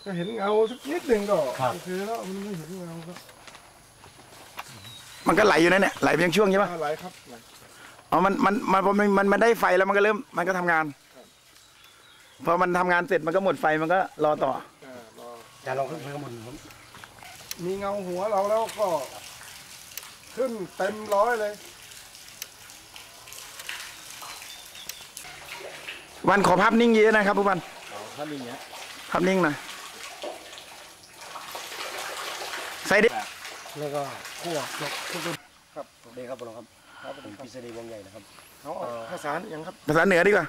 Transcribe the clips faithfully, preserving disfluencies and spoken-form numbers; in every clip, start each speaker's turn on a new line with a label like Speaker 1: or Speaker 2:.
Speaker 1: ก็เห็นเงาสักนิดหนึ่งก็โอเคแล้วมันไม่เห็นเงาก็
Speaker 2: มันก็ไหลอยู่นั่นเนี่ยไหลเพียงช่วงใช่ไหม
Speaker 1: ไหลครับ
Speaker 2: อ๋อมันมันมันมันมันมันได้ไฟแล้วมันก็เริ่มมันก็ทำงานพอมันทำงานเสร็จมันก็หมดไฟมันก็รอต่อ
Speaker 3: จะลองขึ้นไปข้างบน
Speaker 1: มีเงาหัวเราแล้วก็ขึ้นเต็มร้อยเลย
Speaker 2: วันขอภาพนิ่งเยอะนะครับผู้พัน
Speaker 3: ภาพนิ่งเนี้ย
Speaker 2: ภาพนิ่งหน่อยใส่ดิ
Speaker 3: แล้วก็ขั้วลกทุกคนครับเด็กครับผมครับครับผมพิเศษวงใหญ่นะครับ
Speaker 1: เอาภาษาอย่างครับ
Speaker 2: ภาษาเหนือดีกว่า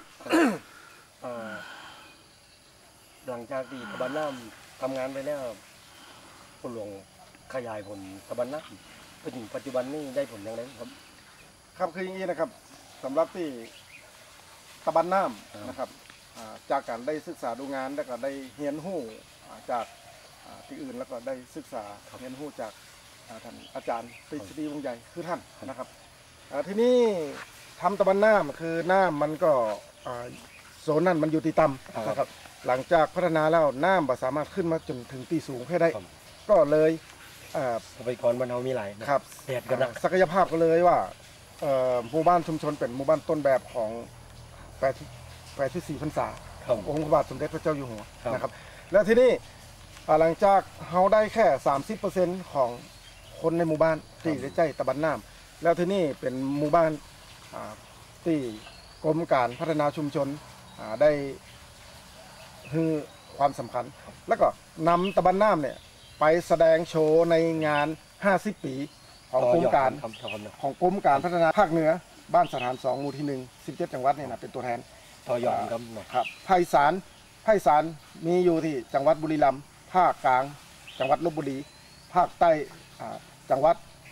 Speaker 3: หลังจากที่ตะบันน้ำทำงานไปแล้วผลหลวงขยายผลตะบันน้ำไปถึงปัจจุบันนี้ได้ผลอย่างไรครับ
Speaker 1: ครับคืออย่างนี้นะครับสำหรับที่ตะบันน้ำนะครับจากการได้ศึกษาดูงานแล้วก็ได้เรียนรู้จากที่อื่นแล้วก็ได้ศึกษาเรียนรู้จากท่านอาจารย์ปริศดีวงใหญ่คือท่านนะครับที่นี่ทำตะบันน้ำคือน้ำมันก็โซนนั้นมันอยู่ที่ต่ำนะครับหลังจากพัฒนาแล้วน้ำสามารถขึ้นมาจนถึงตีสูงให้ได้ก็เลย
Speaker 3: ทรัพยากรบ้านเรามีหลาย
Speaker 1: ครับ
Speaker 3: เศษกัน
Speaker 1: ศักยภาพก็เลยว่าหมู่บ้านชุมชนเป็นหมู่บ้านต้นแบบของแปดแปดที่สี่พรรษาองค์พระบาทสมเด็จพระเจ้าอยู่หัวนะครับแล้วที่นี่หลังจากเขาได้แค่ สามสิบเปอร์เซ็นต์ ของคนในหมู่บ้านที่ได้ใจตะบันน้ำแล้วที่นี่เป็นหมู่บ้านที่กรมการพัฒนาชุมชนได้ให้ความสำคัญแล้วก็นำตะบันน้ำเนี่ยไปแสดงโชว์ในงานห้าสิบปีของกรมการของกรมการพัฒนาภาคเหนือบ้านสถานสองหมู่ที่หนึ่งสิบเจ็ดจังหวัดเนี่ยนะเป็นตัวแทน
Speaker 3: ต่อยอดครับ
Speaker 1: ครับภาคอีสานภาคอีสานมีอยู่ที่จังหวัดบุรีรัมย์ภาคกลางจังหวัดลพบุรีภาคใต้จังหวัด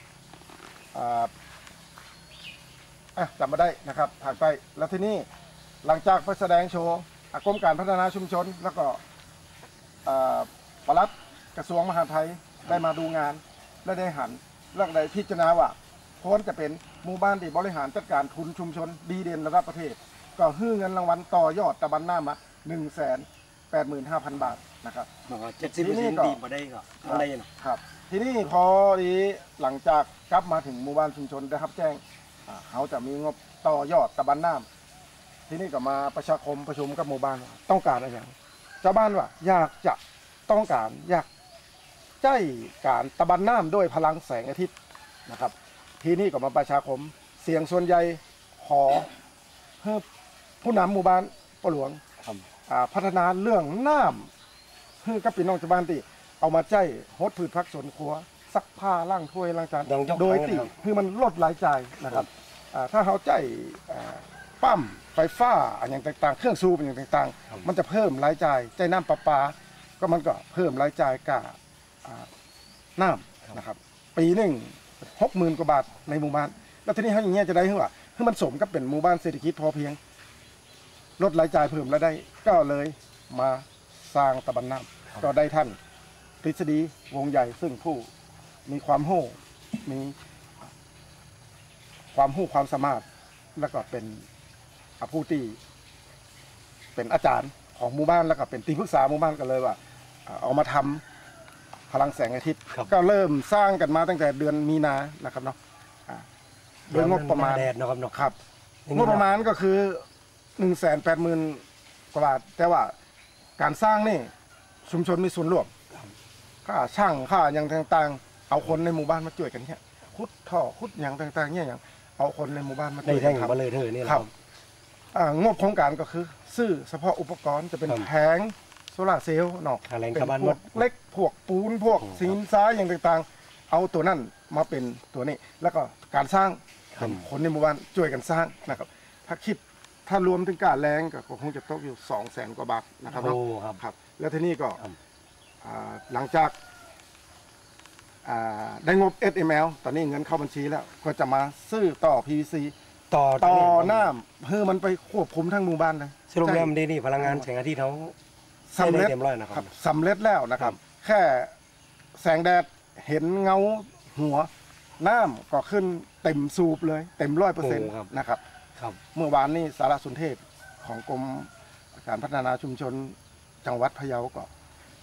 Speaker 1: จำมาได้นะครับภาคใต้แล้วที่นี่หลังจากไปแสดงโชว์กรมการพัฒนาชุมชนแล้วก็ปลัดกระทรวงมหาดไทยได้มาดูงานและได้หันเรื่องใดพิจารณาว่าพ้นจะเป็นหมู่บ้านที่บริหารจัดการทุนชุมชนดีเด่นระดับประเทศก็ให้เงินรางวัลต่อยอดตะบันน้ำมาหนึ่งแสนแปดหมื่นห้าพันบาทนะครับ
Speaker 3: เจ็ดสิบเปอร์เซ็นต์ดีมาได้ก็อะไร
Speaker 1: นะครับทีนี้พอดีหลังจากกลับมาถึงหมู่บ้านชุมชนได้รับแจ้งเขาจะมีงบต่อยอดตะบันน้ำทีนี้ก็มาประชาคมประชุมกับหมู่บ้านต้องการอะไรอย่างชาวบ้านว่าอยากจะต้องการอยากใจการตะบันน้ำด้วยพลังแสงอาทิตย์นะครับทีนี้ก็มาประชาคมเสียงส่วนใหญ่ขอให้ผู้นำหมู่บ้านปะหลวงพัฒนาเรื่องน้ำให้กับพี่น้องชาวบ้านที่เอามาใจฮดพืชพักสวนครัวซักผ้าล้างถ้วยล้างจานโดยที่คือมันลดรายจ่ายนะครับถ้าเขาใจปั๊มไฟฟ้าอย่างต่างๆเครื่องสูบอย่างต่างๆมันจะเพิ่มรายจ่ายใจน้ำประปาก็มันก็เพิ่มรายจ่ายกับน้ำนะครับปีหนึ่งหกหมื่นกว่าบาทในหมู่บ้านแล้วทีนี้เขาอย่างเงี้ยจะได้ขึ้นว่าคือมันสมกับเป็นหมู่บ้านเศรษฐกิจพอเพียงลดรายจ่ายเพิ่มรายได้ก็เลยมาสร้างตะบันน้ำก็ได้ท่านทฤษฎีวงใหญ่ซึ่งผู้มีความโห่มีความหู้ความสามารถแล้วก็เป็นผู้ที่เป็นอาจารย์ของหมู่บ้านแล้วก็เป็นที่ปรึกษาหมู่บ้านกันเลยว่าเอามาทำพลังแสงอาทิตย์ก็เริ่มสร้างกันมาตั้งแต่เดือนมีนานะครับเนาะโดยงบประมาณครับงบประมาณก็คือหนึ่งแสนแปดหมื่นกว่าบาทแต่ว่าการสร้างนี่ชุมชนมีส่วนร่วมค่าช่างค่าอย่างต่างๆเอาคนในหมู่บ้านมาช่วยกันเนี่ยขุดท่อขุดอย่างต่างๆเนี่ยอย่างเอาคนในหมู่บ้านมาช่วยกันครับ
Speaker 3: มาเลยเถอะนี่
Speaker 1: ครับงบโครงการก็คือซื้อเฉพาะอุปกรณ์จะเป็นแผงโซลาร์เซลล์เนาะเป็นพวกเล็กพวกปูนพวกสินทรายอย่างต่างๆเอาตัวนั้นมาเป็นตัวนี้แล้วก็การสร้างคนในหมู่บ้านช่วยกันสร้างนะครับถ้าคิดถ้ารวมถึงการแรงก็คงจะตกอยู่สองแสนกว่าบาทนะครับครับแล้วทีนี้ก็หลังจากได้งบ เอส เอ็ม แอล ตอนนี้เงินเข้าบัญชีแล้วก็จะมาซื้อต่อ พี วี ซี ต่อต่อหน้าเพื่อมันไปควบคุมทั้งหมู่บ้านเลย
Speaker 3: สรุปแล้วนี่พลังงานแสงอาทิตย์เขา
Speaker 1: สำเร็จนะครับสำเร็จแล้วนะครับแค่แสงแดดเห็นเงาหัวน้ำก็ขึ้นเต็มสูบเลยเต็มร้อยเปอร์เซ็นต์นะครับเมื่อวานนี้สารสนเทศของกรมการพัฒนาชุมชนจังหวัดพะเยาก็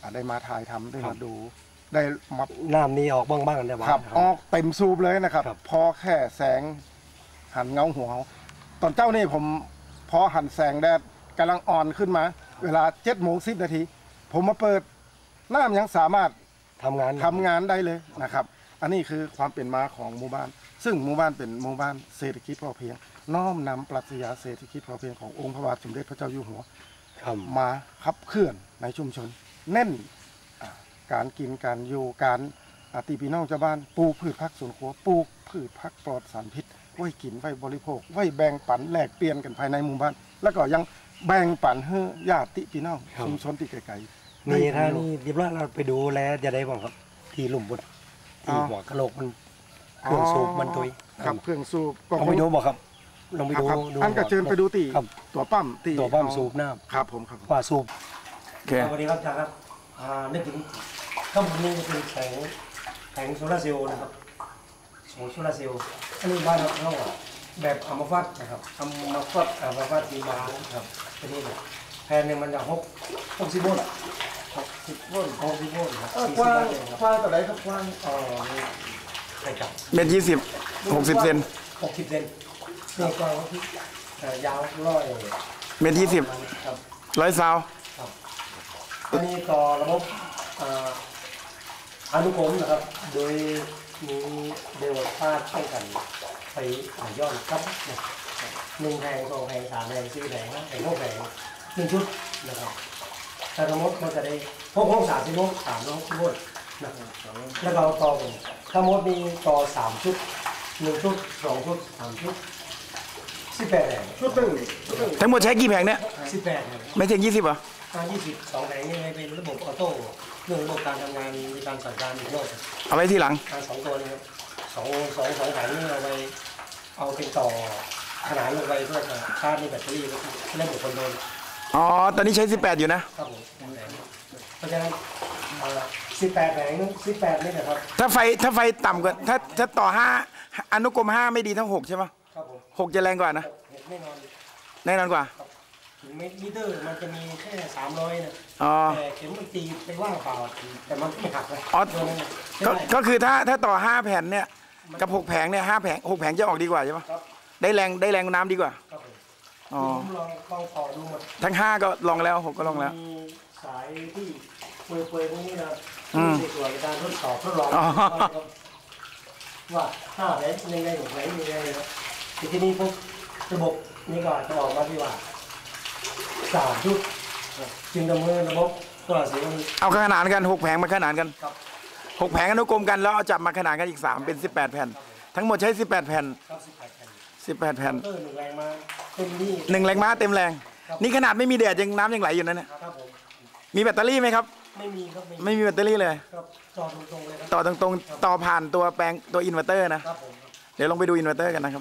Speaker 1: อ่าได้มาถ่ายทำได้มาดู ได้มา
Speaker 3: น้ำนี่ออกบ้างบ้างได้บ้าง
Speaker 1: ขับออกเต็มสูบเลยนะครับ
Speaker 3: ครับ
Speaker 1: พอแค่แสงหันเงาหัวเขาตอนเจ้านี่ผมพอหันแสงแดดกำลังอ่อนขึ้นมา เวลาเจ็ดโมงสิบนาทีผมมาเปิดน้ำยังสามารถ
Speaker 3: ทำงาน
Speaker 1: ทำงานได้เลยนะครับ อันนี้คือความเป็นมาของหมู่บ้าน ซึ่งหมู่บ้านเป็นหมู่บ้านเศรษฐกิจพอเพียง น้อมนำปรัชญาเศรษฐกิจพอเพียงขององค์พระบาทสมเด็จพระเจ้าอยู่หัว
Speaker 3: ครับ
Speaker 1: มาขับเคลื่อนในชุมชน เน้นอ่าการกินการอยู่การอาตีพี่น้องชาวบ้านปลูกพืชผักสวนครัวปลูกพืชผักปลอดสารพิษ ไว้กินไว้บริโภค ไว้แบ่งปันแลกเปลี่ยนกันภายในหมู่บ้าน แล้วก็ยังแบ่งปันให้ญาติพี่น้องชุมชนที่ไกลๆ
Speaker 3: นี่
Speaker 1: ได้
Speaker 3: ถ้า
Speaker 1: ประโยช
Speaker 3: นี่
Speaker 1: น์
Speaker 3: เรียบร้อยเราไปดูแลจะได้บ้างครับ ที่หลุมบนที่หัวกะโหลกมันเครื่องสูบมันตุย
Speaker 1: ครับเครื่องสูบก็
Speaker 3: ลองไปดูบอกครับลองไปดู
Speaker 1: ครับ
Speaker 3: ดู
Speaker 1: อันก็เชิญไปดูตี
Speaker 3: ครับ
Speaker 1: ตัวปั๊มตี
Speaker 3: ตัวปั๊มสูบน้
Speaker 1: ครับผมครับ
Speaker 3: ำว่าสูบ
Speaker 2: โอเค
Speaker 3: สวัสดีครับอาจารย์ครับอ่านึกถึงข้างบนนี้จะเป็นแผงแผงโซลาร์เซลล์นะครับโซลาร์เซลล์อันนี้บ้านเราอะแบบอัมพาตนะครับอัมพาตอัมพาตสีมาครับอันนี้เนี่ยแผ่นหนึ่งมันจะหกหกสิบโวลต์หกสิบโวลต์หกสิบโวลต์ครับ
Speaker 1: เออ
Speaker 3: สี่
Speaker 1: กว้าง
Speaker 3: สิบวัตต์เองครับ
Speaker 1: กว้างต่อไหนครับกว้าง
Speaker 3: อ๋อนี่ใครจับ
Speaker 2: เมตรยี่สิบหกสิบเซน
Speaker 3: หกสิบเซนนี่ก็ที่เอ่อยาวร้อย
Speaker 2: เมตรยี่สิบ
Speaker 3: ครับ
Speaker 2: ร้อยซาว
Speaker 3: ครับอันนี้ต่อระบบอ่าอนุกรมนะครับ โดยมีเดลต้าป้องกันไปอ่าย้อนครับเนี่ยหนึ่งแผงสองแผงสามแผงสี่แผงห้าแผงหกแผงหนึ่งชุดนะครับแต่สมมติมันจะได้พกห้องสามสิบโวลต์สามร้อยหกสิบโวลต์นะครับแล้วเราต่อกันถ้ามดมีต่อสามชุดหนึ่งชุดสองชุดสามชุดสิบแปดแผง
Speaker 1: ชุดหนึ่งชุดหนึ่ง
Speaker 2: ทั้งหมดใช้กี่แผงเนี่ย
Speaker 3: สิบแปดแผง
Speaker 2: ไม่ถึงยี่สิบเหรอ
Speaker 3: การยี่สิบสองแผงนี่เป็นระบบออโต้เรื่องระบบการทำงานในการสั่งการอีกโลก
Speaker 2: เอาไว้ที่หลัง
Speaker 3: การสองตัวนี้ครับสองสองสองแผงนี่เอาไปเอาเป็นต่อขนานลงไปเพื่อจะชาร์จในแบตเตอรี่แล้วก็ระบบคอนโทรล
Speaker 2: อ๋อ ตอนนี้ใช้สิบแปดอยู่นะ
Speaker 3: ครับผมแผงเพราะฉะนั้นสิบแปดแผงสิบแปดนี่นะครับ
Speaker 2: ถ้าไฟถ้าไฟต่ำกว่าถ้าถ้าต่อห้าอนุกรมห้าไม่ดีเท่าหกใช่ปะ
Speaker 3: ครับผม
Speaker 2: หกจะแรงกว่านะ
Speaker 3: เห็นแน่นอน
Speaker 2: แน่นอนกว่า
Speaker 3: ถึงมิเตอร์มันจะมีแค่สามร้อยนะ
Speaker 2: อ๋อ
Speaker 3: แต่เข็มมันตีไปว่างเปล่าแต่มันไม่หักเลย
Speaker 2: อ๋อ
Speaker 3: ตัวนั้นน่ะ
Speaker 2: ก็
Speaker 3: ใช่
Speaker 2: ก็คือถ้าถ้าต่อห้าแผ่นเนี่ยกับหกแผงเนี่ยห้าแผงหกแผงจะออกดีกว่าใช่ปะ
Speaker 3: ครับ
Speaker 2: ได้แรงได้แรงน้ำดีกว่า
Speaker 3: ครับผม
Speaker 2: อ๋อ
Speaker 3: ผมลองลองต่อดูหมด
Speaker 2: ทั้งห้าก็ลองแล้วหกก็ลองแล้ว
Speaker 3: มีสายที่เปื่อยๆพวกนี้นะครับ
Speaker 2: อืม
Speaker 3: ในส่วนในการทดสอบทดลอง
Speaker 2: อ๋อ
Speaker 3: ว่าห้าแผงยังไงหกแผงยังไงนะครับทีนี้พวกระบบนี้ก็จะออกมาที่ว่าสามชุดจึงดำเนินระบบตัวเสียง
Speaker 2: เอาขนานกันหกแผงมาขนานกัน
Speaker 3: ครับ
Speaker 2: หกแผงอนุกรมกันแล้วเอาจับมาขนานกันอีกสามเป็นสิบแปดแผ่น ทั้งหมดใช้สิบแปดแผ่น
Speaker 3: ครับสิบแปดแผ่น
Speaker 2: สิบแปดแผ่น
Speaker 3: เตอร์หนึ่งแรงมาเต็มที่
Speaker 2: หนึ่งแรงม้าเต็มแรง นี่ขนาดไม่มีแดดยังน้ำยังไหลอยู่นั่นเนี่ย
Speaker 3: ครับผม
Speaker 2: มีแบตเตอรี่ไหมครับ
Speaker 3: ไม่มีครับ
Speaker 2: ไม่มีแบตเตอรี่เลย
Speaker 3: ครับจอตรงๆเลยครับ
Speaker 2: ต่อตรงๆต่อผ่านตัวแปลงตัวอินเวอร์เตอร์นะ
Speaker 3: ครับผม
Speaker 2: เดี๋ยวลองไปดูอินเวอร์เตอร์กันนะครับ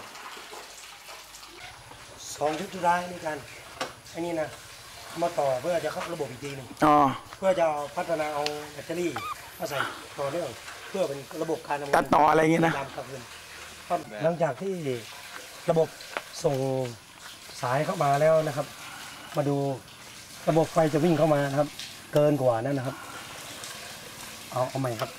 Speaker 3: สองชุดสุดท้ายนี่กันอันนี้นะมาต่อเพื่อจะเข้าระบบอีกทีหนึง
Speaker 2: อ๋อ
Speaker 3: เพื่อจะเอาพัฒนาเอาแบตเตอรี่มาใส่ต่อเนื่องเพื่อเป็นระบบการทำงาน
Speaker 2: ตัดต่ออะไรอย่างงี้นะ
Speaker 3: ตามกลางคืนครับหลังจากที่ระบบส่งสายเข้ามาแล้วนะครับ มาดูระบบไฟจะวิ่งเข้ามานะครับ เกินกว่านั้นนะครับ เอาเอาใหม่ครับ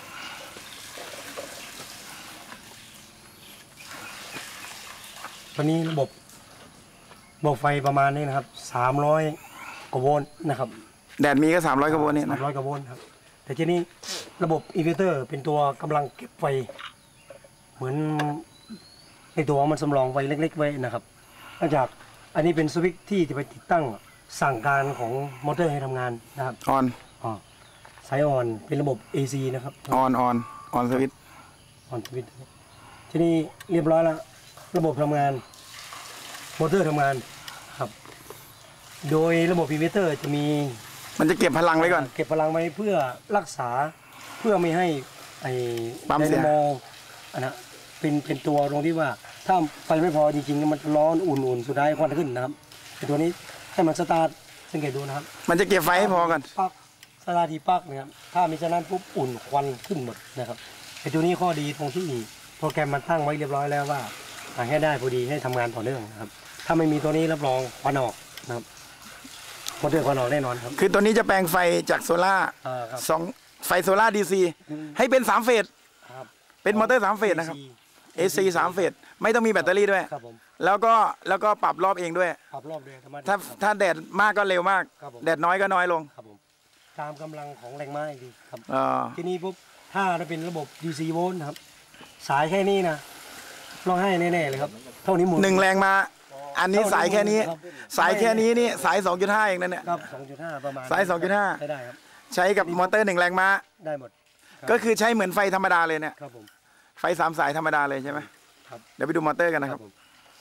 Speaker 3: วันนี้ระบบระบบไฟประมาณนี้นะครับสามร้อยกว่าโวลต์นะครับ
Speaker 2: แดดมีก็สามร้อยกว่าโวลต์เนี่ย
Speaker 3: สา
Speaker 2: นะ
Speaker 3: มร้อยกว่าโวลต์ครับ แต่ทีนี้ระบบอินเวอร์เตอร์เป็นตัวกำลังเก็บไฟ เหมือนในตัวมันสำรองไฟเล็กๆไว้นะครับนอกจากอันนี้เป็นสวิตช์ที่จะไปติดตั้งสั่งการของมอเตอร์ให้ทำงานนะครับ
Speaker 2: ออน
Speaker 3: อ๋อสายอ่อนเป็นระบบ เอ ซี นะครับ
Speaker 2: ออนออนออนสวิตช์
Speaker 3: ออนสวิตช์ทีนี้เรียบร้อยแล้วระบบทำงานมอเตอร์ทำงานครับ โดยระบบอินเวอร์เตอร์จะมี
Speaker 2: มันจะเก็บพลังไว้ก่อน
Speaker 3: เก็บพลังไว้เพื่อรักษาเพื่อไม่ให้ไอ้
Speaker 2: ปั๊ม
Speaker 3: ได
Speaker 2: เสีย
Speaker 3: นาโมอันนะเป็นเป็นตัวตรงที่ว่าถ้าไฟไม่พอจริงๆ มันจะร้อนอุ่นๆ สุดท้ายควันขึ้นนะครับไอ้ตัวนี้ให้มันสตาร์ทสังเกตดูนะครับ
Speaker 2: มันจะเก็บไฟให้พอก่อน
Speaker 3: ปักสตาร์ททีปักนะครับถ้ามีฉะนั้นปุ๊บอุ่นควันขึ้นหมดนะครับไอ้ตัวนี้ข้อดีตรงที่โปรแกรมมันตั้งไว้เรียบร้อยแล้วว่าให้ได้พอดีให้ทำงานต่อเนื่องนะครับถ้าไม่มีตัวนี้รับรองควันออกนะครับมอเตอร์ควันออกแน่นอนครับ
Speaker 2: คือตัวนี้จะแปลงไฟจากโซล่า
Speaker 3: อ่าครับ
Speaker 2: สองไฟโซล่าดีซีให้เป็นสามเฟส
Speaker 3: ครับ
Speaker 2: เป็นมอเตอร์สามเฟสนะครับ เอ ซี สามเฟสไม่ต้องมีแบตเตอรี่ด้วย
Speaker 3: ครับผม
Speaker 2: แล้วก็แล้วก็ปรับรอบเองด้วย
Speaker 3: ปรับรอบด้วยธรรมดา
Speaker 2: ถ้าถ้าแดดมากก็เร็วมาก
Speaker 3: ครับผม
Speaker 2: แดดน้อยก็น้อยลง
Speaker 3: ครับผมตามกำลังของแรงม้าอีกทีครับ
Speaker 2: อ่า
Speaker 3: ทีนี้ปุ๊บถ้าเราเป็นระบบ ดี ซี โวลต์นะครับ สายแค่นี้นะร้องไห้แน่ๆเลยครับ เท่านี้หมุน
Speaker 2: หนึ่งแรงมา อันนี้สายแค่นี้
Speaker 3: ครับ
Speaker 2: สายแค่นี้นี่สาย สองจุดห้า เองนั่นเนี่ย
Speaker 3: ครับสองจุดห้าประมาณ
Speaker 2: สายสองจุดห้า
Speaker 3: ใช้ได้ครับ
Speaker 2: ใช้กับมอเตอร์หนึ่งแรงม้า
Speaker 3: ได้หมดรับ
Speaker 2: ก็คือใช้เหมือนไฟธรรมดาเลยเนี่ย
Speaker 3: ครับผม
Speaker 2: ไฟสามสายธรรมดาเลยใช่ไหม
Speaker 3: ครับ
Speaker 2: เดี๋ยวไปดูมอเตอร์กันนะครับ
Speaker 3: ผม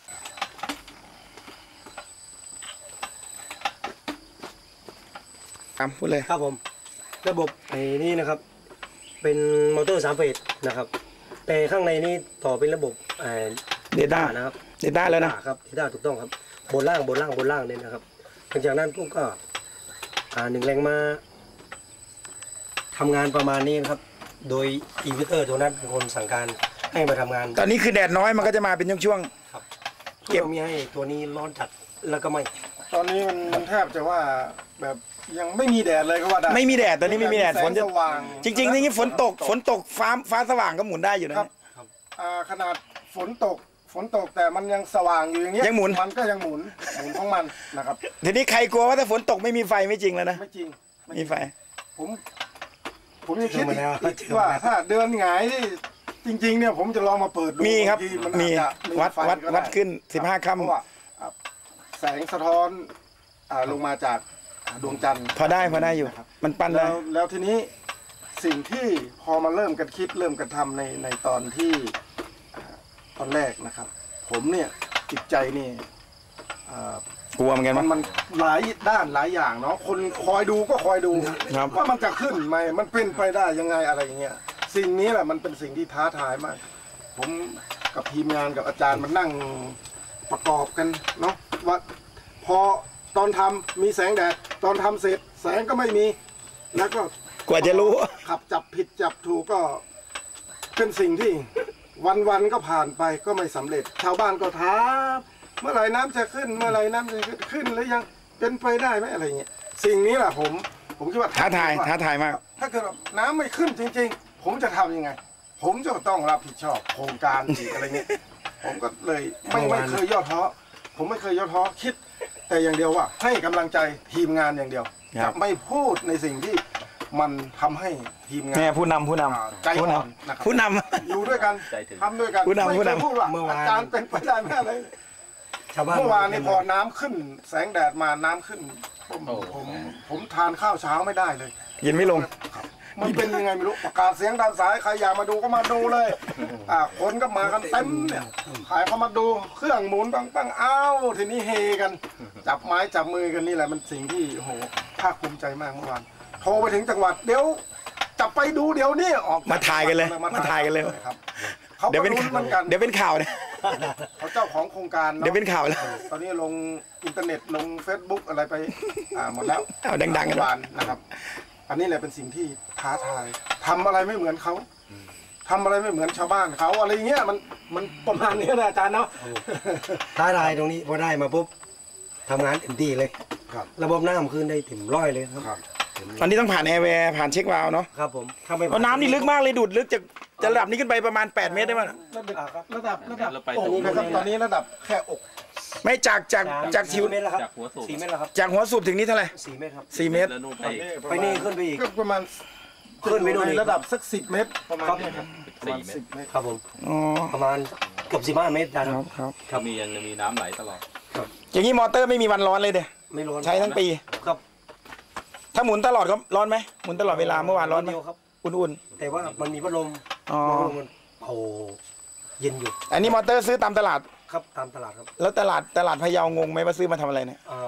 Speaker 2: ครับพูดเลย
Speaker 3: ครับผมระบบไอ้นี่นะครับ เป็นมอเตอร์สามเฟสนะครับ แต่ข้างในนี่ต่อเป็นระบบไอ้
Speaker 2: Data
Speaker 3: นะครับ
Speaker 2: Data แล้วนะ
Speaker 3: ครับเดต้าถูกต้องครับบนล่างบนล่างบนล่างเนี่ยนะครับหลังจากนั้นพวกก็อ่าหนึ่งแรงมาทำงานประมาณนี้นะครับ โดยอินเวอร์เตอร์ตัวนั้นเป็นคนสั่งการให้มาทำงาน
Speaker 2: ตอนนี้คือแดดน้อยมันก็จะมาเป็นช่วง
Speaker 3: ครับ
Speaker 2: เก็
Speaker 3: เก็
Speaker 2: บ
Speaker 3: บมีให้ตัวนี้ร้อนจัดแล้วก็ไม่
Speaker 1: ตอนนี้มันมันแทบจะว่าแบบยังไม่มีแดดเลยก็ว่าได้
Speaker 2: ๆไม่มีแดดตอนนี้ไม่มีแดดฝนจะ
Speaker 1: สว่าง
Speaker 2: จริงๆนี่ฝนตกฝนตกฟ้าฟ้าสว่างก็หมุนได้อยู่นะครับ
Speaker 1: อ่าขนาดฝนตกฝนตกแต่มันยังสว่างอยู่อย่างเงี้ย
Speaker 2: ยังหมุน
Speaker 1: มันก็ยังหมุนหมุนของมันนะครับ
Speaker 2: ทีนี้ใครกลัวว่าถ้าฝนตกไม่มีไฟไม่จริงแล้วนะ
Speaker 1: ไม่จริงไม่
Speaker 2: มีไฟ
Speaker 1: ผมผมยังคิด
Speaker 3: เจอมาแล้ว
Speaker 1: อีก
Speaker 3: เจอมาแล้ว
Speaker 1: ว่าถ้าเดินหงายนี่จริงๆเนี่ยผมจะลองมาเปิดดู
Speaker 2: มีครับ
Speaker 1: างทีน
Speaker 2: มี
Speaker 1: อาจจะ
Speaker 2: วัด
Speaker 1: ไฟ
Speaker 2: วัด
Speaker 1: ก็ไ
Speaker 2: วัดขึ้นสิบห้า
Speaker 1: เพราะ
Speaker 2: ค่ำ
Speaker 1: ว่าอ่าแสงสะท้อนอ่าลงมาจากดวงจันทร์
Speaker 2: พอได้พอได้อยู่
Speaker 1: นะครับ
Speaker 2: มันปั้น
Speaker 1: แล้
Speaker 2: ได้
Speaker 1: วแล้วทีนี้สิ่งที่พอมาเริ่มกันคิดเริ่มกันทำในในตอนที่อ่าตอนแรกนะครับ ผมเนี่ยจิตใจนี่อ่าก
Speaker 2: ลัวเหมือนกัน
Speaker 1: มั
Speaker 2: มั้
Speaker 1: น
Speaker 2: ย
Speaker 1: มันหลายด้านหลายอย่างเนาะคนคอยดูก็คอยดู
Speaker 2: ครับ
Speaker 1: ว่ามันจะขึ้นไหมมันเป็นไปได้ยังไงอะไรอย่างเงี้ยสิ่งนี้แหละมันเป็นสิ่งที่ท้าทายมาก ผมกับทีมงานกับอาจารย์มันนั่งประกอบกันเนาะว่าพอตอนทำมีแสงแดดตอนทำเสร็จแสงก็ไม่มีแล้วก็
Speaker 2: กว่าจะรู้
Speaker 1: ขับจับผิดจับถูกก็เป็นสิ่งที่วันวันๆก็ผ่านไปก็ไม่สำเร็จ ชาวบ้านก็ถามเมื่อไหร่น้ำจะขึ้น เมื่อไหร่น้ำจะขึ้นขึ้นหรือยังเป็นไปได้ไหมอะไรเงี้ยสิ่งนี้แหละผมผมคิดว่า
Speaker 2: ท้าทายท้าทายมาก
Speaker 1: ถ้าเกิดว่าน้ำไม่ขึ้นจริง ๆ ผมจะทำยังไง ผมจะต้องรับผิดชอบโครงการอีกอะไรเงี้ยผมก็เลยไม่ไม่เคยย่อท้อผมไม่เคยย่อท้อคิด แต่อย่างเดียวว่าให้กำลังใจทีมงานอย่างเดียว
Speaker 2: ครั
Speaker 1: จะ
Speaker 2: บ
Speaker 1: ไม่พูดในสิ่งที่มันทำให้ทีมงาน
Speaker 2: แม่ผู้นำผู้น
Speaker 1: อ่าใจ
Speaker 2: ำผู้
Speaker 1: อ่
Speaker 2: น
Speaker 1: อนนะครับ
Speaker 2: ำผู้น
Speaker 1: อยู่ด้วยกัน
Speaker 4: ใจถึง
Speaker 1: ทำด้วยกัน
Speaker 2: ผู้นำ
Speaker 1: ไม่
Speaker 2: ผู้
Speaker 1: เคย
Speaker 2: นำ
Speaker 1: พูดว่า
Speaker 3: เมื่อวาน
Speaker 1: อาจารย์เป็นไปได้ไหมอะไร
Speaker 3: ชาวบ้าน
Speaker 1: เมื่อวานนี้พอน้ำขึ้น แสงแดดมาน้ำขึ้นผม
Speaker 4: โอ้
Speaker 1: ผมผมทานข้าวเช้าไม่ได้เลย
Speaker 2: ำยินไม่ลง
Speaker 1: มันเป็นยังไงไม่รู้ประกาศเสียงตามสายใครอยากมาดูก็มาดูเลยอ่าคนก็มากันเต็มเนี่ยขายเขามาดูเครื่องหมุนปังปังอ้าวทีนี้เฮกัน จับไม้จับมือกันนี่แหละมันสิ่งที่โอ้โหภาคภูมิใจมากเมื่อวานโทรไปถึงจังหวัดเดี๋ยวจับไปดูเดี๋ยวนี้ออก
Speaker 2: มาถ่ายกันเลยมาถ่ายกันเลย
Speaker 1: ครับเขา
Speaker 2: เดี๋ยว
Speaker 1: ก็
Speaker 2: เป็น
Speaker 1: รู้
Speaker 2: ข่าว
Speaker 1: เหมือนกัน
Speaker 2: เดี๋ยวเป็นข่าวเนี่ย
Speaker 1: เขาเจ้าของโครงการอะ
Speaker 2: เดี๋ยวเป็นข่าวแล้ว
Speaker 1: ตอนนี้ลงอินเทอร์เน็ตลง Facebook อะไรไปอ่าหมดแล้ว
Speaker 2: เอาดังๆกัน
Speaker 1: เมื่อวานนะครับ อันนี้แหละเป็นสิ่งที่ท้าทายทำอะไรไม่เหมือนเขาทำอะไรไม่เหมือนชาวบ้านเขาอะไรเงี้ยมันมันประมาณนี้นะอาจารย์เนาะ
Speaker 3: ท้าทายตรงนี้พอได้มาปุ๊บทำงานเต็มที่เลย
Speaker 1: ครับ
Speaker 3: ระบบน้ำขึ้นได้เต็มร้อยเลยครับ
Speaker 1: ครับ
Speaker 2: อันนี้ต้องผ่านแอร์แวร์ผ่านเช็ควาล์วเนาะ
Speaker 3: ครับผมถ้าไม่
Speaker 2: เพราะน้ำนี่ลึกมากเลยดูดลึกจากจะระดับนี้ขึ้นไปประมาณแปดเมตรได้มั้ย
Speaker 1: ระดับระดับระดับ
Speaker 4: เราไป
Speaker 1: อก
Speaker 4: ตรงนู้น
Speaker 1: นะครับตอนนี้ระดับแค่อก
Speaker 2: ไม่จากจากจากทิว
Speaker 3: สี่เมตรแล้วครับ
Speaker 4: จากหัวสูบ
Speaker 3: สี่เมตรแล้วครับ
Speaker 2: จากหัวสูบถึงนี้เท่าไหร่
Speaker 3: สี่เมตรครับ
Speaker 2: สี่เมตร
Speaker 4: แล้วนู่นไป
Speaker 3: ไปนี่ขึ้นไปอีก
Speaker 1: ก็ประมาณ
Speaker 3: ขึ้นไปดู
Speaker 1: ใน
Speaker 3: อีก
Speaker 1: ระดับสักสิบเมตรประมาณ
Speaker 3: ครับ
Speaker 1: นี้ครับประมาณ
Speaker 4: สี่เมตร
Speaker 1: สิบเมตร
Speaker 3: ครับผม
Speaker 2: อ๋อ
Speaker 3: ประมาณเกือบสิบห้าเมตรได้
Speaker 2: ค
Speaker 3: ค
Speaker 2: รั
Speaker 3: รั
Speaker 2: บบ ครับ
Speaker 4: ก็มียังมีน้ำไหลตลอด
Speaker 2: อย่างนี้มอเตอร์ไม่มีวันร้อนเลยเด้
Speaker 3: ไม่ร้อน
Speaker 2: ใช้ทั้งปี
Speaker 3: ครับ
Speaker 2: ถ้าหมุนตลอดก็ร้อนไหมหมุนตลอดเวลาเมื่อวานร้อนไหม
Speaker 3: เดียวครับ
Speaker 2: อุ่น
Speaker 3: แต่ว่ามันมีพัดลม
Speaker 2: ๆอ๋อ
Speaker 3: พัดลมมันโอ้เย็นอยู่
Speaker 2: อันนี้มอเตอร์ซื้อตามตลาด
Speaker 3: ครับตามตลาดครับ
Speaker 2: แล้วตลาดตลาดพะเยางงไหมว่าซื้อมาทำอะไรเนี่ย
Speaker 3: อ่าง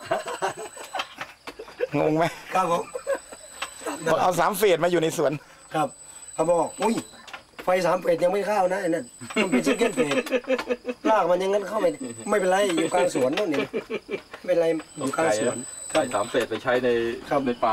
Speaker 2: งไหม
Speaker 3: ครับผม
Speaker 2: บอกเอาสามเฟสมาอยู่ในสวน
Speaker 3: ครับเขาบอกอุ้ยไฟสามเฟสยังไม่เข้านะไอ้นั่นมันเป็นซิงเกิลเฟสลากมันอยังงั้นเข้าไม่ได้ไม่เป็นไรอยู่กลางสวนนู่นนี่ไม่เป็นไรอยู่กลางสวน
Speaker 4: ใส่สามเศษไปใช้ใน
Speaker 3: ครับ
Speaker 4: ในป่า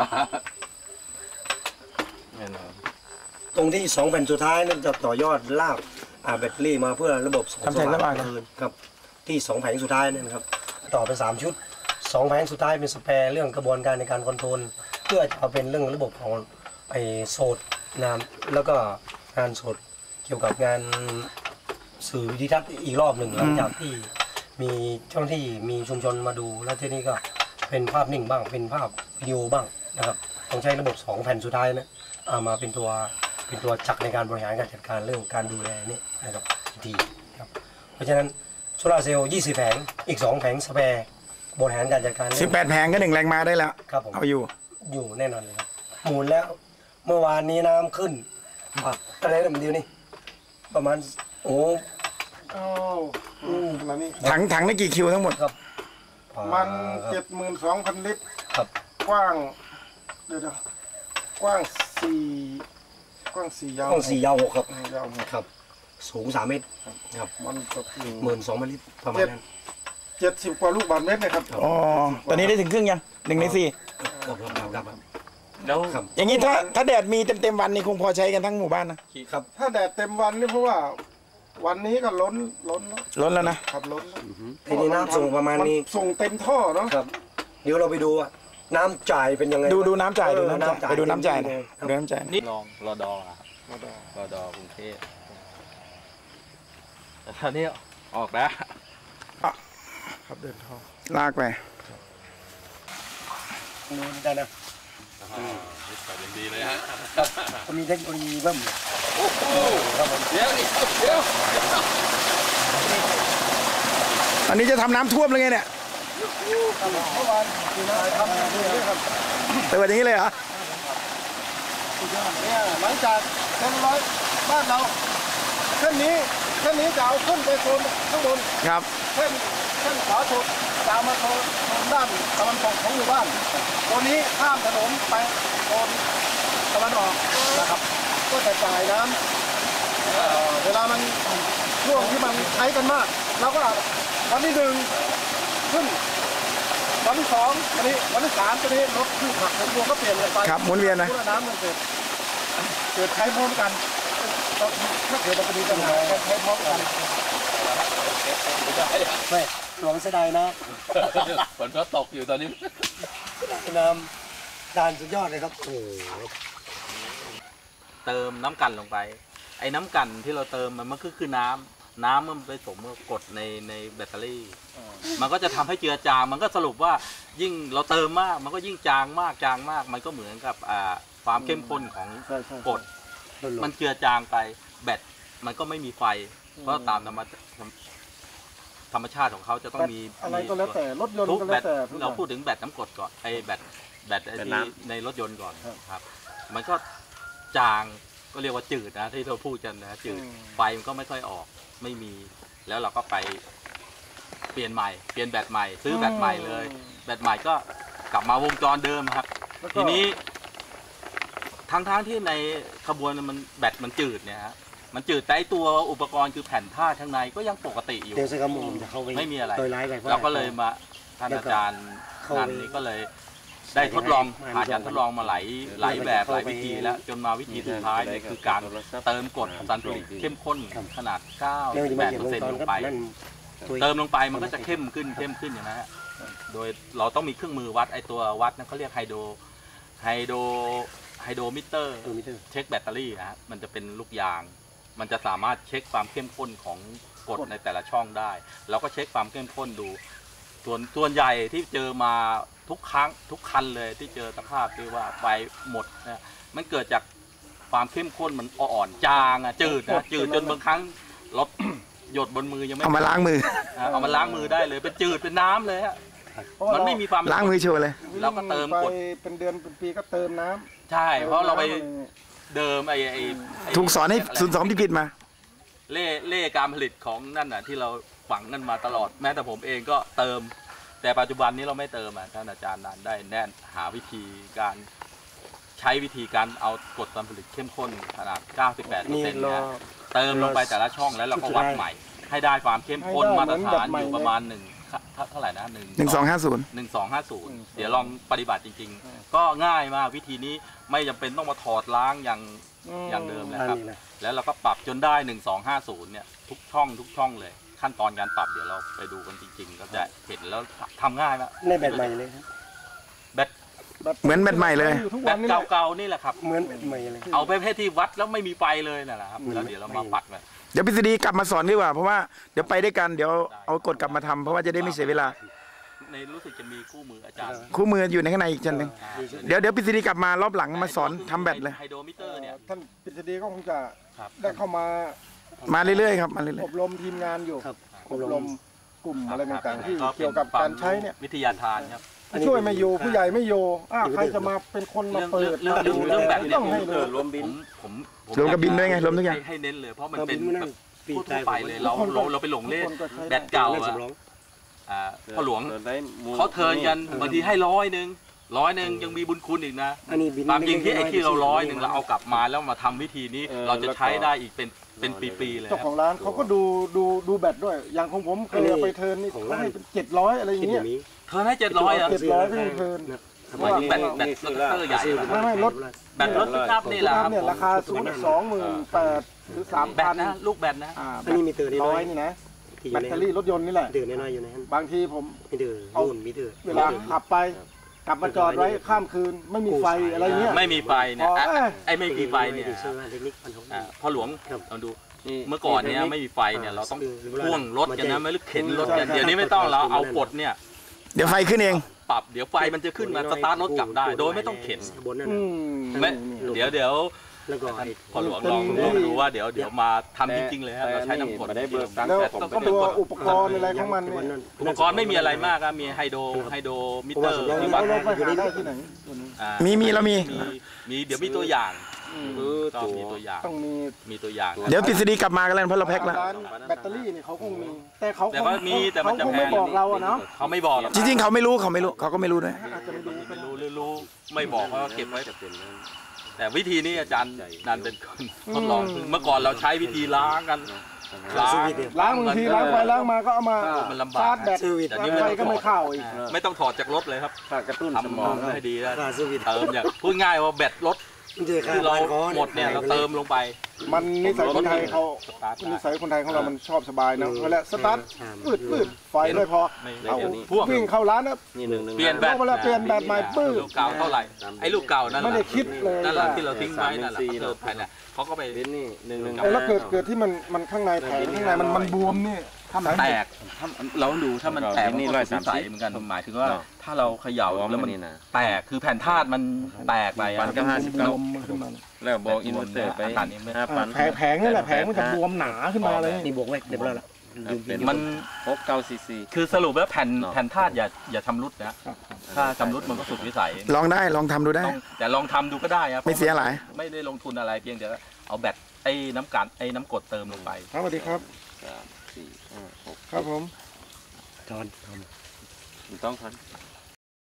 Speaker 4: แน่นอน
Speaker 3: ตรงที่สองแผ่นสุดท้ายนั่นจะต่อยอดลากอ่าแบตเตอรี่มาเพื่อระบบส่อง
Speaker 2: ทำแสงสว่างนะ
Speaker 3: คืนครับที่สองแผงสุดท้ายนั่นครับต่อไปสามชุดสองแผงสุดท้ายเป็นสแปร์เรื่องกระบวนการในการคอนโทรลเพื่อจะเอาเป็นเรื่องระบบของไอโซดน้ำแล้วก็งานโซดเกี่ยวกับงานสื่อวิดิทัศน์อีกรอบหนึ่งหลังจากที่มีเจ้าหน้าที่มีชุมชนมาดูแล้วที่นี่ก็เป็นภาพนิ่งบ้างเป็นภาพวิดีโอบ้างนะครับต้องใช้ระบบสองแผ่นสุดท้ายนะเอามาเป็นตัวเป็นตัวจักรในการบริหารการจัดการเรื่องการดูแลนี่นะครับดีครับเพราะฉะนั้นโซลาร์เซลล์ยี่สิบแผงอีกสองแผงสแปร์บริหารการจัดการ
Speaker 2: สิบแปดแผงก็หนึ่งแรงม้าได้แล้ว
Speaker 3: ครับผม
Speaker 2: เอาอยู่
Speaker 3: อยู่แน่นอนเลยครับหมุนแล้วเมื่อวานนี้น้ำขึ้นอ่ะอะไรนะมันเดียวนี่ประมาณโอ้
Speaker 1: อ้าวอืมแล้วนี่
Speaker 2: ถังถังได้กี่คิวทั้งหมด
Speaker 3: ครับ
Speaker 1: มัน
Speaker 3: ครับ
Speaker 1: เจ็ดหมื่นสองพันลิตร
Speaker 3: ครับ
Speaker 1: กว้างเดี๋ยวๆกว้างสี่กว้างสี่ยาว
Speaker 3: ห้องสี่ยาวหกครับ
Speaker 1: อืมยาวหก
Speaker 3: ครับ สูงสามเมตรครับ
Speaker 1: มันตกอยู่
Speaker 3: หมื่นสองพันลิตรประมาณนั้น
Speaker 1: เจ็ดสิบกว่าลูกบาศก์เมตรนะครับ
Speaker 2: อ๋อ ตอนนี้ได้ถึงครึ่งยังหนึ่งในสี่
Speaker 3: ครับครับครับครับ
Speaker 4: แล้ว
Speaker 3: ครับ
Speaker 2: อย่างนี้ถ้าถ้าแดดมีเต็มเต็มๆวันนี่คงพอใช้กันทั้งหมู่บ้านนะครับ
Speaker 1: ถ้าแดดเต็มวันนี่เพราะว่า วันนี้ก็ล้นล้นแล้ว
Speaker 2: ล้นแล้วนะ
Speaker 1: ครับล้นแล้ว
Speaker 3: ทีนี้น้ำส่งประมาณนี้
Speaker 1: นส่งเต็มท่อเนาะ
Speaker 3: ครับ เดี๋ยวเราไปดูว่าน้ำจ่ายเป็นยังไง
Speaker 2: ดูดูน้ำจ่ายดู
Speaker 3: เออ
Speaker 2: น้ำจ่ายไปดูน้ำจ่ายหน่อย
Speaker 3: ครับ
Speaker 2: ดูน้ำจ่ายหน่อย
Speaker 4: นี่ลองรอดออะรอดอกรุงเทพแต่ตอนนี้ออกแล้ว
Speaker 1: ครับเดินท่อ
Speaker 2: ลากไป
Speaker 3: ดูได้นะ
Speaker 4: แต่ยังดีเลยฮะ
Speaker 3: ก็มีเทคโนโลยีเพิ่ม
Speaker 4: เดี๋ยวเดี๋ยว
Speaker 2: อันนี้จะทำน้ำท่วมเลยไงเนี่ย
Speaker 1: เมื่อวานคือน้ำทำอย่างนี้ครับ
Speaker 2: เปิดอย่างนี้เลยเหรอ
Speaker 1: เนี่ยหลังจากเต็มร้อยบ้านเราเส้นนี้เส้นนี้จะเอาขึ้นไปโซนข้างบน
Speaker 2: ครับ
Speaker 1: เส้นเส้นขวาสุดจะเอามาโซนโซนด้านตะวันตกของหมู่บ้านตัวนี้ข้ามถนนไปโซนตะวันออกนะครับ ก็จะจ่ายน้ำเอ่อเวลามันช่วงที่มันใช้กันมากเราก็วันที่หนึ่งขึ้นวันที่สองวันนี้วันที่สามตัวนี้รถขึ้นผักรถรวมก็เปลี่ยนกันไป
Speaker 2: ครับหมุนเวียนนะ
Speaker 1: พื่อน้ำมันเกิดเกิดใช้พร้อมกันถ้าเกิดมันจะมีปัญหาการใช้พร้อมกัน
Speaker 3: ไม่หลวงเสียดายนะ
Speaker 4: ฝนก็ตกอยู่ตอนนี้
Speaker 3: น้ำดานสุดยอดเลยครับ โอ้โห
Speaker 4: เติมน้ำกันลงไป ไอ้น้ำกันที่เราเติมมันมันก็คือน้ำน้ำมันไปสมกดในในแบตเตอรี่ มันก็จะทำให้เจือจาง มันก็สรุปว่ายิ่งเราเติมมาก มันก็ยิ่งจางมากจางมาก มันก็เหมือนกับอ่าความเข้มข้นของกรดมันเจือจางไปแบตมันก็ไม่มีไฟ เพราะตามธรรมธรรมชาติของเขาจะต้องมี
Speaker 1: อะไรก็แล้วแต่รถยนต์
Speaker 4: ทุก
Speaker 1: ก็
Speaker 4: แบ
Speaker 1: แล้ว
Speaker 4: ต
Speaker 1: แต่ทุกอ
Speaker 4: เรา
Speaker 1: ย่าง
Speaker 4: พูดถึงแบตน้ำกรดก่อนไอ้แบตแบตไอ้ที่ในรถยนต์ก่อนครับ มันก็จางก็เรียกว่าจืดนะที่เราพูดกันนะจืดไฟมันก็ไม่ค่อยออกไม่มี แล้วเราก็ไปเปลี่ยนใหม่ เปลี่ยนแบตใหม่ ซื้อแบตใหม่เลย แบตใหม่ก็กลับมาวงจรเดิมครับ
Speaker 1: แล้วก็
Speaker 4: ทีนี้ทั้งทั้งที่ในขบวนมันแบตมันจืดเนี่ยฮะมันจืดแต่ไอ้ตัวอุปกรณ์คือแผ่นผ้าข้างในก็ยังปกติอยู่
Speaker 3: เดี๋ยวสักคำผมจะเข้าไป
Speaker 4: ไม่มีอะไร
Speaker 3: โดยไลฟ์ไป
Speaker 4: เราก็เลยมาท่านอาจารย์นันนี้ก็เลยได้ทดลองผ่านการทดลองมาหลายหลายแบบหลายวิธีแล้วจนมาวิธีสุดท้ายเนี่ยคือการเติมกรดซัลฟูริกเข้มข้นขนาด เก้า
Speaker 3: เรื่อง
Speaker 4: สิ
Speaker 3: ที่
Speaker 4: บแป
Speaker 3: มา
Speaker 4: ด
Speaker 3: เก็บ
Speaker 4: เปอร์
Speaker 3: ลง
Speaker 4: เซ็นต์
Speaker 3: ตอน
Speaker 4: ลง
Speaker 3: ก็
Speaker 4: ไป
Speaker 3: นั่นตัว
Speaker 4: เติมลงไปมันก็จะเข้มขึ้นเข้มขึ้นอย่างนั้นฮะโดยเราต้องมีเครื่องมือวัดไอตัววัดนั่นเขาเรียกไฮโดรไฮโดรไฮโดรมิเตอร์
Speaker 3: ตัวมิเตอร์
Speaker 4: เช็คแบตเตอรี่นะฮะมันจะเป็นลูกยาง มันจะสามารถเช็คความเข้มข้นของกรดในแต่ละช่องได้ เราก็เช็คความเข้มข้นดู ส่วนส่วนใหญ่ที่เจอมาทุกครั้งทุกคันเลยที่เจอสภาพที่ว่าไฟหมดเนี่ยมันเกิดจากความเข้มข้นมันอ่อนจางอะจืดนะจืดจนบางครั้งรถ หยดบนมือยังไม่
Speaker 2: เอามาล้างมือ
Speaker 4: อ่ะเอามาล้างมือได้เลยเป็นจืดเป็นน้ำเลยฮะ
Speaker 1: เพราะว่า
Speaker 4: มันไม่มีความ
Speaker 2: ล้างมือโชว์เลย
Speaker 4: เราก็เติมกด
Speaker 1: ไปเป็นเดือนเป็นปีก็เติมน้ำ
Speaker 4: ใช่ เพราะเราไปเดิมไอ้ไอ้ไ
Speaker 2: ถูกสอนให้ศูนย์สองที่ผิดมา
Speaker 4: เล่เล่การผลิตของนั่นน่ะที่เราฝังกันมาตลอดแม้แต่ผมเองก็เติม แต่ปัจจุบันนี้เราไม่เติมอ่ะท่านอาจารย์นันได้แน่นหาวิธีการใช้วิธีการเอากรดการผลิตเข้มข้นขนาด เก้าสิบแปดเปอร์
Speaker 3: นี่
Speaker 4: เซ็นต์
Speaker 3: รอ
Speaker 4: เนี่ยเติมลงไปแต่ละช่องแล้วเราก็วัดใหม่ ให้ได้ความเข้มข้นมาตรฐานอยู่ประมาณหนึ่งเท่าไหร่นะหนึ่ง
Speaker 2: หนึ่งสองห้าศูนย์
Speaker 4: หนึ่งสองห้าศูนย์เดี๋ยวลองปฏิบัติจริงๆ ก็ง่ายมากวิธีนี้ไม่จำเป็นต้องมาถอดล้างอย่างอย่างเดิมนะครับ แล้วเราก็ปรับจนได้หนึ่งสองห้าศูนย์เนี่ยทุกช่องทุกช่องเลยขั้นตอนการปรับเดี๋ยวเราไปดูกันจริงๆก็จะเห็นแล้วทำง่ายแล้ว
Speaker 3: ในแบบใหม่เลยครับ
Speaker 4: แบต
Speaker 2: เหมือนแบตใหม่เลย
Speaker 1: อยู่ทุก
Speaker 4: แบ
Speaker 1: วัน
Speaker 4: ต
Speaker 1: นี่แหละ
Speaker 4: เก่าๆนี่แหละครับ
Speaker 3: เหมือนแบบใหม่เลย
Speaker 4: เอาไปประเภทที่วัดแล้วไม่มีไฟเลยนั่นแหละครับ
Speaker 3: อืม
Speaker 4: แล้วเดี๋ยวเรามาปัดกัน
Speaker 2: เดี๋ยวพิษฎีกลับมาสอนดีกว่าเพราะว่าเดี๋ยวไปด้วยกันเดี๋ยวเอากฎกลับมาทำเพราะว่าจะได้ไม่เสียเวลา
Speaker 4: ในรู้สึกจะมีคู่มืออาจารย์
Speaker 2: คู่มืออยู่ในข้างในอีกชั้นหนึ่งเดี๋ยวเดี๋ยวพิษฎีกลับมารอบหลังมาสอนทำแบตเลย
Speaker 4: ไฮโดรมิเตอร์เนี่ย
Speaker 1: ท่านปริศดีก็คงจะ
Speaker 4: ครับ
Speaker 1: ได้เข้ามา
Speaker 2: มาเรื่อยๆครับมาเรื่อย
Speaker 1: อบรมทีมงานอยู่
Speaker 3: ครับ
Speaker 1: อบรมกลุ่มอะไรต่างๆที่เกี่ยวกับการใช้เนี่ย
Speaker 4: วิทยาทานครับ
Speaker 1: ช่วยไม่อยู่ผู้ใหญ่ไม่อยู่อ้าวใครจะมาเป็นคนมา
Speaker 4: เรื่อง
Speaker 1: เปิด
Speaker 4: เรื่อง
Speaker 1: มา
Speaker 4: เรื่อง
Speaker 1: ดู
Speaker 4: เรื่องแบบเนี้ย
Speaker 1: ต้องให้รู้
Speaker 4: รวมบินผมผม
Speaker 2: ๆรวมกับบินด้วยไงรวมทุกอย่าง
Speaker 4: ให้ให้เน้นเลยเพราะมัน
Speaker 3: เรา
Speaker 4: เป็
Speaker 3: บิ
Speaker 4: น
Speaker 3: นมานั่
Speaker 4: แบ
Speaker 3: ง
Speaker 4: บ
Speaker 3: ปี
Speaker 4: ทั่
Speaker 3: ใจ
Speaker 4: วๆไปเลยเราเราเราไปหลงเล่น
Speaker 1: ทุกคนก็ใช้
Speaker 4: แบตเก่า
Speaker 3: นั่ง
Speaker 4: อะ
Speaker 3: สำรอง
Speaker 4: อ่าพ่อหลวงเขาเทิร์นกันบางทีให้ร้อยหนึ่งร้อยหนึ่งยังมีบุญคุณอีกนะ
Speaker 3: อันนี้บิน
Speaker 4: ตามจริงที่ไอ้ที่เราร้อยหนึ่งเราเอากลับมาแล้วมาทำวิธีนี้ เราจะใช้ได้อีกเป็นเป็นปีๆเลย
Speaker 1: เจ้า
Speaker 4: ค
Speaker 1: ข
Speaker 4: รั
Speaker 1: อบ งร้านเขาก็ดูดูดูแบตด้วย อย่างของผมเคยเอาไปเทิร์นนี่เขาให้เป็นเจ็ดร้อยอะไรอย่าง
Speaker 3: คิดอ
Speaker 1: เงี้ย
Speaker 3: ย่างนี้
Speaker 4: เทิร์นให้เจ็ดร้อยอะ
Speaker 1: เจ็ดร้อยก็ยังเทิร์น
Speaker 3: สมัยนี้
Speaker 4: แบตแบตรถเตอร์ใหญ่อะ
Speaker 1: ไม่ไม่รถ
Speaker 4: แบตรถปิกอัพนี่แหละครับ
Speaker 1: เนี่ยราคาสูงสองหมื่นแปดหรือสาม
Speaker 4: แบ
Speaker 1: พั
Speaker 4: ต
Speaker 1: น
Speaker 4: นะลูกแบตนะ
Speaker 1: อ่า
Speaker 3: อันนี้มีเตือนน้
Speaker 1: ร้
Speaker 3: อ
Speaker 1: อย
Speaker 3: ย
Speaker 1: นี่นะ
Speaker 3: ที่อ
Speaker 1: แบ
Speaker 3: ยู่
Speaker 1: ต
Speaker 3: ใน
Speaker 1: เตอรี่รถยนต์นี่แหละ
Speaker 3: เตือนน้อยอยู่ในนั้น
Speaker 1: บางทีผม
Speaker 3: มีเตือน
Speaker 1: เอา
Speaker 3: นู่นมีเตือน
Speaker 1: เวลาขับไปกลับมาจอดไว้ข้ามคืนไม่มีไฟอะไรเงี้ย
Speaker 4: ไม่มีไฟเนี่ย
Speaker 1: อ๋อ
Speaker 4: อ่ะ
Speaker 1: เอ้ย
Speaker 4: ไอ้ไม่มีไฟเนี่ย
Speaker 3: เชื่อว่าเทคนิคพันธง
Speaker 4: อ่าพ่อหลวง
Speaker 3: ครับ
Speaker 4: ลองดูเมื่อก่อนเนี่ยไม่มีไฟเนี่ยเราต้อง
Speaker 3: คือ
Speaker 4: พ่วงรถกันนะไม่หรือเข็นรถกัน
Speaker 1: ใช่
Speaker 4: เดี๋ยวนี้ไม่ต้องเราเอากดเนี่ย
Speaker 2: เดี๋ยวไฟขึ้นเอง
Speaker 4: ปรับเดี๋ยวไฟมันจะขึ้นมาสตาร์ทรถกลับได้ โดยไม่ต้องเข็น
Speaker 3: บนนั่น
Speaker 1: อื
Speaker 3: น่ะ
Speaker 1: ม
Speaker 4: ไม่เดี๋ยวเดี๋ยว
Speaker 3: แล้วก็ไอ้
Speaker 4: พ่อหลวงลองลองดูว่าเดี๋ยวเดี๋ยวมาทำจริงๆเลยครับเราใช้น้ำกรด
Speaker 5: ได้เบิกตังค์
Speaker 1: แล้ว
Speaker 5: แต่ผม
Speaker 4: ก็
Speaker 5: ไป
Speaker 4: เป็น
Speaker 1: ตัว
Speaker 4: กฎ
Speaker 1: อุปกรณ์อะไรของมัน
Speaker 3: วัน
Speaker 1: เนี่ย
Speaker 3: นั้น
Speaker 4: อุปกรณ์ไม่มีอะไรมากครับมีไฮโดรไฮโดรมิเตอร์
Speaker 3: ผมว่า
Speaker 4: ที่
Speaker 1: เรา
Speaker 4: วัด
Speaker 1: เราไปหาได้ที่ไหนตัวนี้
Speaker 4: อ่า
Speaker 2: มีมีเรามี
Speaker 4: มีมีเดี๋ยวมีตัวอย่าง
Speaker 5: คือ
Speaker 4: ก็
Speaker 5: ตัว
Speaker 4: มีตัวอย่าง
Speaker 1: ต้องมี
Speaker 4: มีตัวอย่าง
Speaker 2: เดี๋ยวพิษฎีกลับมากันแล้วเพราะเราแพ็คแล้ว
Speaker 1: ร้านแบตเตอรี่เนี่ยเขาคงมี แต่เขา
Speaker 4: แต่ว่ามีแต่มันจะ
Speaker 1: เขาคง
Speaker 4: แพ
Speaker 1: ไม่
Speaker 4: ง
Speaker 1: บอกเราอะเนาะ
Speaker 4: เขาไม่บอกหรอก
Speaker 2: จริงๆเขาไม่รู้เขาไม่รู้เขาก็ไม่รู้ด้วย
Speaker 1: อาจจะไม่รู้ก็
Speaker 4: ไม่
Speaker 1: ได้
Speaker 4: รู้หรือรู้ไม่บอกเขาก็เก็บไว้แต่วิธีนี้อาจารย์นันเป็นคนทดลองเมื่อก่อนเราใช้วิธีล้างกันล้าง
Speaker 1: ล้างบางทีล้างไปล้างมาก็เอามา
Speaker 4: มันลำบาก
Speaker 1: ชาร์จแบต
Speaker 4: แต่นี่
Speaker 1: ไฟ
Speaker 4: ไม่
Speaker 1: ก็
Speaker 4: ต้อง
Speaker 1: ไม่เข้าอีก
Speaker 4: ไม่ต้องถอดจากรถเลยครับ
Speaker 5: ถ้ากระตุ้นสม
Speaker 4: ทำ
Speaker 5: อง
Speaker 4: ให้ดีแล้ว
Speaker 3: ค่าสวิต
Speaker 4: เติมอย่างพูดง่ายว่าแบตรถ
Speaker 3: มันจะค่า
Speaker 4: ที่เรา
Speaker 3: บ้านเขา
Speaker 4: หมดเนี่ยเราเติมลงไป
Speaker 1: มันนิสัยคนไทยเขา
Speaker 4: สตาร์ท
Speaker 1: นิสัยคนไทยของเรามันชอบสบายเนาะเวลาสตาร์ทปืดปืดไฟไม่พอ
Speaker 4: ไม่
Speaker 1: เอา
Speaker 4: พ่วง
Speaker 1: วิ่งเข้าร้านนะ
Speaker 5: นี่หนึ่งหนึ่ง
Speaker 4: เปลี่ยนแบต
Speaker 1: เวลาเปลี่ยนแบตใหม่ปื้ด
Speaker 4: ลูกเก่าเท่าไหร่ไอ้ลูกเก่านั่นแห
Speaker 1: ไม่
Speaker 4: ละ
Speaker 1: ได้คิดเลย
Speaker 4: นั่นแหละ
Speaker 1: ว่า
Speaker 4: ที่เราทิ้งไว้นั่นแหละเขาเติมภายในเขาก็ไป
Speaker 5: เป็นนี่หนึ่งหนึ่ง
Speaker 1: เออแล้วเกิดเกิดที่มันมันข้างในแผงข้างในมันมันบวมนี่
Speaker 4: ถ้ามันแตกถ้าเราต้องดูถ้ามันแตกมันก็สุดวิสัยเหมือนกันหมายถึงว่า ถ้าเราเขย่าแล้วมัน
Speaker 5: นี่นะ
Speaker 4: แตกคือแผ่นธาตุมันแตกไปอะ
Speaker 5: ปันก็ห้าสิบเก้า
Speaker 1: ขึ้นมา
Speaker 5: แล้วบอกอินเวอร์เตอร์ไปห้าพัน
Speaker 1: แผงแผงนี่แหละแผงมันจะบวมหนาขึ้นมาเลย
Speaker 3: นี่บวกไว้เรียบร้อยละ
Speaker 4: มัน
Speaker 5: หกเก้าซีซี
Speaker 4: คือสรุปแล้วแผ่น
Speaker 5: เนาะ
Speaker 4: แผ่นธาตุอย่าอย่าชำรุดนะถ้าชำรุดมันก็สุดวิสัย
Speaker 2: ลองได้ลองทำดูได้
Speaker 4: ต้องแต่ลองทำดูก็ได้ครับ
Speaker 2: ไม่เสียหลาย
Speaker 4: ไม่ได้ลงทุนอะไรเพียงแต่ว่าเอาแบตไอ้น้ำกันไอ้น้ำกรดเติมลงไป
Speaker 1: ครับสวัสดีครับ
Speaker 5: สามสี่ห้าหก
Speaker 1: ครับผม
Speaker 3: จอน
Speaker 5: ถูกต้องครับ